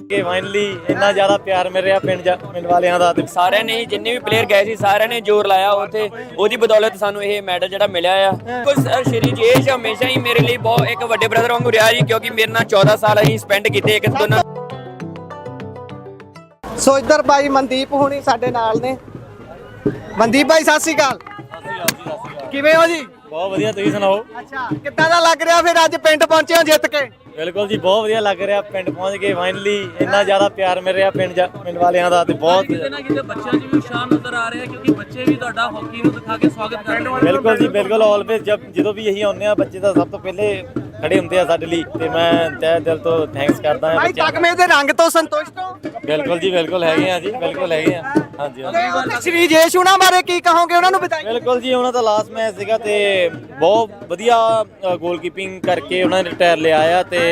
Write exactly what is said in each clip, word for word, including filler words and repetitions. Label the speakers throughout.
Speaker 1: ਕਿ ਫਾਈਨਲੀ ਇੰਨਾ ਜ਼ਿਆਦਾ ਪਿਆਰ ਮਿਲ ਰਿਹਾ ਪਿੰਡ ਪਿੰਡ ਵਾਲਿਆਂ ਦਾ ਤੇ
Speaker 2: ਸਾਰਿਆਂ ਨੇ ਜਿੰਨੇ ਵੀ ਪਲੇਅਰ ਗਏ ਸੀ ਸਾਰਿਆਂ ਨੇ ਜ਼ੋਰ ਲਾਇਆ ਉੱਥੇ ਉਹਦੀ ਬਦੌਲਤ ਸਾਨੂੰ ਇਹ ਮੈਡਲ ਜਿਹੜਾ ਮਿਲਿਆ ਆ ਕੁਝ ਸ਼੍ਰੀ ਜੇਸ਼ ਹਮੇਸ਼ਾ ਹੀ ਮੇਰੇ ਲਈ ਬਹੁਤ ਇੱਕ ਵੱਡੇ ਬ੍ਰਦਰ ਵਾਂਗੂ ਰਿਹਾ ਜੀ ਕਿਉਂਕਿ ਮੇਰੇ ਨਾਲ ਚੌਦਾਂ ਸਾਲ ਅਸੀਂ ਸਪੈਂਡ ਕੀਤੇ ਇੱਕ ਦੋਨਾਂ।
Speaker 3: ਸੋ ਇੱਧਰ ਬਾਈ ਮਨਦੀਪ ਹੁਣੀ ਸਾਡੇ ਨਾਲ ਨੇ। ਮਨਦੀਪ ਬਾਈ ਸਤਿ ਸ਼੍ਰੀ ਅਕਾਲ। ਕਿਵੇਂ ਹੋ ਜੀ?
Speaker 1: ਬਹੁਤ ਵਧੀਆ, ਤੁਸੀਂ ਸੁਣਾਓ?
Speaker 3: ਅੱਛਾ, ਕਿੱਦਾਂ ਦਾ ਲੱਗ ਰਿਹਾ ਫਿਰ ਅੱਜ ਪਿੰਡ ਪਹੁੰਚੇ ਹੋ ਜਿੱਤ ਕੇ?
Speaker 1: ਬਿਲਕੁਲ ਜੀ, ਬਹੁਤ ਵਧੀਆ ਲੱਗ ਰਿਹਾ ਪਿੰਡ ਪਹੁੰਚ ਕੇ ਫਾਈਨਲੀ ਇੰਨਾ ਜ਼ਿਆਦਾ ਪਿਆਰ ਮਿਲ ਰਿਹਾ ਪਿੰਡ ਪਿੰਡ ਵਾਲਿਆਂ ਦਾ ਤੇ ਬਹੁਤ
Speaker 4: ਕਿਤੇ ਨਾ ਕਿਤੇ ਬੱਚਿਆਂ 'ਚ ਵੀ ਉਤਸ਼ਾਹ ਨਜ਼ਰ ਆ ਰਿਹਾ ਕਿਉਂਕਿ ਬੱਚੇ ਵੀ ਤੁਹਾਡਾ ਹਾਕੀ ਨੂੰ ਦਿਖਾ ਕੇ ਸਵਾਗਤ ਕਰ ਰਹੇ ਨੇ।
Speaker 1: ਬਿਲਕੁਲ ਜੀ ਬਿਲਕੁਲ, ਆਲਵੇਜ਼ ਜਦ ਜਦੋਂ ਵੀ ਅਸੀਂ ਆਉਂਦੇ ਆ ਬੱਚੇ ਤਾਂ ਸਭ ਤੋਂ ਪਹਿਲੇ ਖੜੇ ਹੁੰਦੇ ਆ ਸਾਡੇ ਲਈ ਤੇ ਮੈਂ ਤਹਿ ਦਿਲ ਤੋਂ ਥੈਂਕਸ ਕਰਦਾ ਹਾਂ
Speaker 3: ਬਾਈ
Speaker 1: ਬੱਚਿਆਂ ਦਾ।
Speaker 3: ਤਕਮੇ ਦੇ ਰੰਗ ਤੋਂ ਸੰਤੁਸ਼ਟ ਹੋ?
Speaker 1: ਬਿਲਕੁਲ ਜੀ ਬਿਲਕੁਲ ਹੈਗੇ ਆ ਜੀ, ਬਿਲਕੁਲ ਹੈਗੇ ਆ। ਹਾਂਜੀ ਹਾਂਜੀ
Speaker 3: ਸ਼੍ਰੀ ਜੇਸ਼ ਹੁਣਾਂ ਬਾਰੇ ਕੀ ਕਹੋਗੇ, ਉਹਨਾਂ ਨੂੰ ਬਤਾਈਏ।
Speaker 1: ਬਿਲਕੁਲ ਜੀ, ਉਹਨਾਂ ਦਾ ਲਾਸਟ ਮੈਚ ਸੀਗਾ ਤੇ ਬਹੁਤ ਵਧੀਆ ਗੋਲਕੀਪਿੰਗ ਕਰਕੇ ਉਹਨਾਂ ਨੇ ਰਿਟਾਇਰ ਲਿਆ ਆ ਤੇ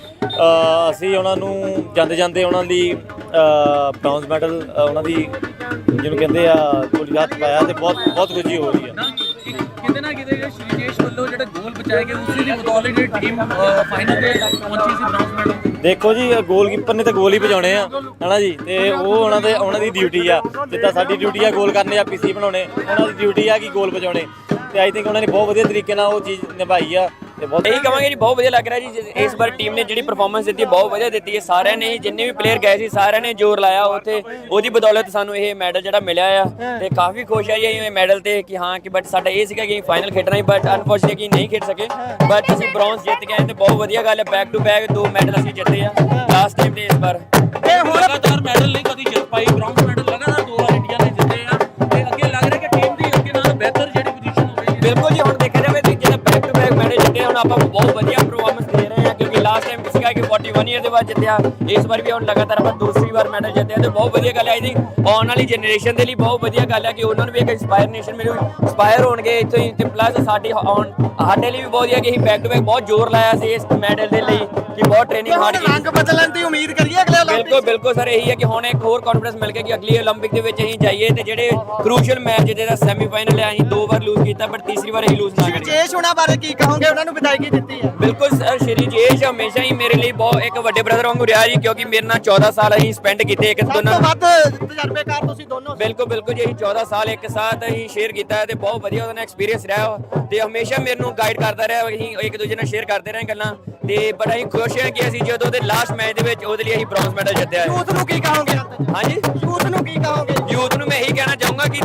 Speaker 1: ਅਸੀਂ ਉਹਨਾਂ ਨੂੰ ਜਾਂਦੇ ਜਾਂਦੇ ਉਹਨਾਂ ਲਈ ਬ੍ਰੌਂਜ਼ ਮੈਡਲ ਉਹਨਾਂ ਦੀ ਜਿਹਨੂੰ ਕਹਿੰਦੇ ਆ ਗੋਲੀ ਹੱਥ ਪਾਇਆ ਤੇ ਬਹੁਤ ਬਹੁਤ ਖੁਸ਼ੀ ਹੋ ਰਹੀ ਹੈ।
Speaker 4: ਕਿਤੇ ਨਾ ਕਿਤੇ ਸ਼੍ਰੀ ਜੇਸ਼ ਵੱਲੋਂ ਜਿਹੜਾ ਗੋਲ ਬਚਾਏ ਗਏ ਉਸੇ ਦੀ ਬਦੌਲਤ ਜਿਹੜੀ ਟੀਮ ਫਾਈਨਲ ਤੇ ਪਹੁੰਚੀ ਸੀ ਬ੍ਰੌਂਜ਼ ਮੈਡਲ।
Speaker 1: ਦੇਖੋ ਜੀ, ਗੋਲਕੀਪਰ ਨੇ ਤਾਂ ਗੋਲ ਹੀ ਵਜਾਉਣੇ ਆ ਹਨਾ ਜੀ, ਤੇ ਉਹ ਉਹਨਾਂ ਦੇ ਉਹਨਾਂ ਦੀ ਡਿਊਟੀ ਆ, ਜਿੱਦਾਂ ਸਾਡੀ ਡਿਊਟੀ ਆ ਗੋਲ ਕਰਨੇ ਆ ਪੀਸੀ ਬਣਾਉਣੇ, ਉਹਨਾਂ ਦੀ ਡਿਊਟੀ ਆ ਕਿ ਗੋਲ ਵਜਾਉਣੇ ਤੇ ਆਈ ਥਿੰਕ ਉਹਨਾਂ ਨੇ ਬਹੁਤ ਵਧੀਆ ਤਰੀਕੇ ਨਾਲ ਉਹ ਚੀਜ਼ ਨਿਭਾਈ ਆ ਤੇ ਬਹੁਤ
Speaker 2: ਇਹੀ ਕਹਾਂਗੇ ਜੀ ਬਹੁਤ ਵਧੀਆ ਲੱਗ ਰਿਹਾ ਜੀ ਇਸ ਵਾਰ ਟੀਮ ਨੇ ਜਿਹੜੀ ਪਰਫਾਰਮੈਂਸ ਦਿੱਤੀ ਬਹੁਤ ਵਧੀਆ ਦਿੱਤੀ ਹੈ ਸਾਰਿਆਂ ਨੇ ਜਿੰਨੇ ਵੀ ਪਲੇਅਰ ਗਏ ਸੀ ਸਾਰਿਆਂ ਨੇ ਜ਼ੋਰ ਲਾਇਆ ਉੱਥੇ ਉਹਦੀ ਬਦੌਲਤ ਸਾਨੂੰ ਇਹ ਮੈਡਲ ਜਿਹੜਾ ਮਿਲਿਆ ਆ ਤੇ ਕਾਫੀ ਖੁਸ਼ ਆ ਜੀ ਇਹ ਮੈਡਲ ਤੇ ਕਿ ਹਾਂ ਕਿ ਬਟ ਸਾਡਾ ਇਹ ਸੀਗਾ ਕਿ ਫਾਈਨਲ ਖੇਡਣਾ ਹੀ ਬਟ ਅਨਫੋਰਚੂਨੇਟਲੀ ਨਹੀਂ ਖੇਡ ਸਕੇ ਬਟ ਅਸੀਂ ਬ੍ਰੌਂਜ਼ ਜਿੱਤ ਗਏ ਤੇ ਬਹੁਤ ਵਧੀਆ ਗੱਲ ਹੈ ਬੈਕ ਟੂ ਬੈਕ ਦੋ ਮੈਡਲ ਅਸੀਂ ਜਿੱਤੇ ਆ ਲਾਸਟ ਟਾਈਮ ਤੇ ਇਸ ਵਾਰ
Speaker 4: ਇਹ ਹੁਣ ਲਗਾਤਾਰ ਮੈਡਲ ਨਹੀਂ ਕਦੀ ਜਿੱਤ ਪਾਈ ਬ੍ਰੌਂਜ਼ ਮੈਡਲ ਲਗਾਤਾਰ ਦੋ ਵਾਰ ਇੰਡੀਆ ਨੇ ਜਿੱਤੇ ਆ ਤੇ ਅੱਗੇ ਲੱਗ ਰਿਹਾ ਕਿ ਟੀਮ ਦੀ ਅੱਗੇ ਨਾਲ ਬਿਹਤਰ ਜਿਹੜੀ ਪੋਜੀਸ਼ਨ ਹੋਵੇਗੀ।
Speaker 2: ਬਿਲਕੁਲ ਜੀ, ਹੁਣ ਦੇਖਿਆ ਜਾਵੇ ਤੇ ਜਿਹੜਾ ਬੈਕ ਟੂ ਬੈਕ ਮੈਡਲ ਜਿੱਤੇ ਹੁਣ ਆਪਾਂ ਬਹੁਤ ਵਧੀਆ ਪਰਫਾਰਮੈਂਸ ਦੇ ਰਹੇ ਹਾਂ ਕਿਉਂਕਿ ਲਾਸਟ ਟਾਈਮ ਸੀਗਾ ਕਿ ਇਕਤਾਲੀ ਈਅਰ ਦੇ ਬਾਅਦ ਜਿੱਤਿਆ ਇਸ ਵਾਰ ਵੀ ਹੁਣ ਲਗਾਤਾਰ ਆਪਾਂ ਦੂਸਰੀ ਵਾਰ ਮੈਡਲ ਜਿੱਤਿਆ ਤੇ ਬਹੁਤ ਵਧੀਆ ਗੱਲ ਹੈ। ਆਈ ਥਿੰਕ ਆਉਣ ਵਾਲੀ ਜਨਰੇਸ਼ਨ ਦੇ ਲਈ ਬਹੁਤ ਵਧੀਆ ਗੱਲ ਹੈ ਕਿ ਉਹਨਾਂ ਨੂੰ ਵੀ ਇੱਕ ਇੰਸਪਾਇਰਨੇਸ਼ਨ ਮਿਲੂ ਇੰਸਪਾਇਰ ਹੋਣਗੇ ਇੱਥੋਂ ਹੀ ਤੇ ਪਲੱਸ ਸਾਡੀ ਆਉਣ ਸਾਡੇ ਲਈ ਵੀ ਬਹੁਤ ਵਧੀਆ ਕਿ ਅਸੀਂ ਬੈਕ ਟੂ ਬੈਕ ਬਹੁਤ ਜ਼ੋਰ ਲਾਇਆ ਸੀ ਇਸ ਮੈਡਲ ਦੇ ਲਈ ਕਿ ਬਹੁਤ ਟ੍ਰੇਨਿੰਗ ਹਾਰਡ ਕੀਤੀ।
Speaker 3: ਰੰਗ ਬਦਲਣ ਦੀ ਉਮੀਦ ਕਰੀਏ ਅਗਲੇ ਓਲੰਪਿਕ।
Speaker 2: ਬਿਲਕੁਲ ਬਿਲਕੁਲ ਸਰ, ਇਹੀ ਹੈ ਕਿ ਹੁਣ ਇੱਕ ਹੋਰ ਕੌਨਫੀਡੈਂਸ ਮਿਲ ਗਿਆ ਕਿ ਅਗਲੀ ਓਲੰਪਿਕ ਦੇ ਵਿੱਚ ਅਸੀਂ ਜਾਈਏ ਤੇ ਜਿਹੜੇ ਕ੍ਰੂਸ਼ੀਅਲ ਮੈਚ ਜਿਹਦਾ ਸੈਮੀਫਾਈਨਲ ਹੈ ਅਸੀਂ ਦੋ ਵਾਰ ਲੂਜ਼ ਕੀਤਾ ਬਟ ਤੀਸਰੀ ਵਾਰ ਅਸੀਂ ਲੂਜ਼ ਨਾ ਕਰੀਏ।
Speaker 3: ਜੇਸ਼ ਹੁਣਾਂ ਬਾਰੇ ਕੀ ਕਹੋਗੇ, ਉਹਨਾਂ ਨੂੰ ਵਿਦਾਇਗੀ ਦਿੱਤੀ ਹੈ?
Speaker 2: ਬਿਲਕੁਲ ਸਰ, ਸ਼੍ਰੀ ਜੇਸ਼ ਹਮੇਸ਼ਾ ਹੀ ਮੇਰੇ ਲਈ ਬਹੁਤ ਇੱਕ ਵੱਡੇ ਬ੍ਰਦਰ ਵਾਂਗੂ ਰਿਹਾ ਜੀ ਕਿਉਂਕਿ ਮੇਰੇ ਨਾਲ ਚੌਦਾਂ ਸਾਲ ਅਸੀਂ ਸਪੈਂਡ ਕੀਤੇ ਇੱਕ
Speaker 3: ਸਭ
Speaker 2: ਦੋਨਾਂ
Speaker 3: ਤੋਂ ਵੱਧ ਤਜਰਬੇਕਾਰ ਤੁਸੀਂ ਦੋਨੋਂ।
Speaker 2: ਬਿਲਕੁਲ ਬਿਲਕੁਲ ਜੀ, ਅਸੀਂ ਚੌਦਾਂ ਸਾਲ ਇੱਕ ਸਾਥ ਅਸੀਂ ਸ਼ੇਅਰ ਕੀਤਾ ਤੇ ਬਹੁਤ ਵਧੀਆ ਉਹਦਾ ਐਕਸਪੀਰੀਅੰਸ ਰਿਹਾ ਤੇ ਹਮੇਸ਼ਾ ਮੈਨੂੰ ਗਾਈਡ ਕਰਦਾ ਰਿਹਾ ਅਸੀਂ ਇੱਕ ਦੂਜੇ ਨਾਲ ਸ਼ੇਅਰ ਕਰਦੇ ਰਹੇ ਗੱਲਾਂ ਤੇ ਬੜਾ ਹੀ ਖੁਸ਼ ਹਾਂ ਕਿ ਅਸੀਂ ਜਦੋਂ ਉਹਦੇ ਲਾਸਟ ਮੈਚ ਦੇ ਵਿੱਚ ਉਹਦੇ ਲਈ ਅਸੀਂ ਬ੍ਰੌਂਜ਼ ਮੈਡਲ ਜਿੱਤਿਆ ਹੈ।
Speaker 3: ਯੂਥ ਨੂੰ ਕੀ ਕਹੋਗੇ?
Speaker 2: ਹਾਂਜੀ,
Speaker 3: ਯੂਥ ਨੂੰ ਕੀ ਕਹੋਗੇ?
Speaker 2: ਯੂਥ ਨੂੰ ਮੈਂ ਇਹੀ ਕਹਿਣਾ ਚਾਹੂੰਗਾ ਕਿ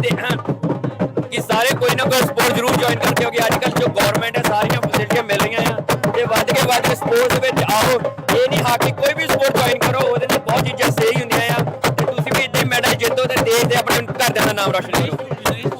Speaker 2: ਕਿ ਸਾਰੇ ਕੋਈ ਨਾ ਕੋਈ ਸਪੋਰਟ ਜ਼ਰੂਰ ਜੁਆਇਨ ਕਰਨ ਕਿਉਂਕਿ ਅੱਜ ਕੱਲ੍ਹ ਜੋ ਗਵਰਨਮੈਂਟ ਹੈ ਸਾਰੀਆਂ ਫੈਸਿਲਿਟੀਆਂ ਮਿਲ ਰਹੀਆਂ ਆ ਤੇ ਵੱਧ ਕੇ ਵੱਧ ਸਪੋਰਟਸ ਦੇ ਵਿੱਚ ਆਓ। ਇਹ ਨਹੀਂ ਹਾਕੀ ਕੋਈ ਵੀ ਸਪੋਰਟ ਜੁਆਇਨ ਕਰੋ ਉਹਦੇ ਨਾਲ ਬਹੁਤ ਚੀਜ਼ਾਂ ਸਹੀ ਹੁੰਦੀਆਂ ਆ ਤੇ ਤੁਸੀਂ ਵੀ ਇੱਦਾਂ ਮੈਡਲ ਜਿੱਤੋ ਤੇ ਦੇਸ਼ ਦੇ ਆਪਣੇ ਘਰਦਿਆਂ ਦਾ ਨਾਮ ਰੋਸ਼ਨ ਕਰੋ।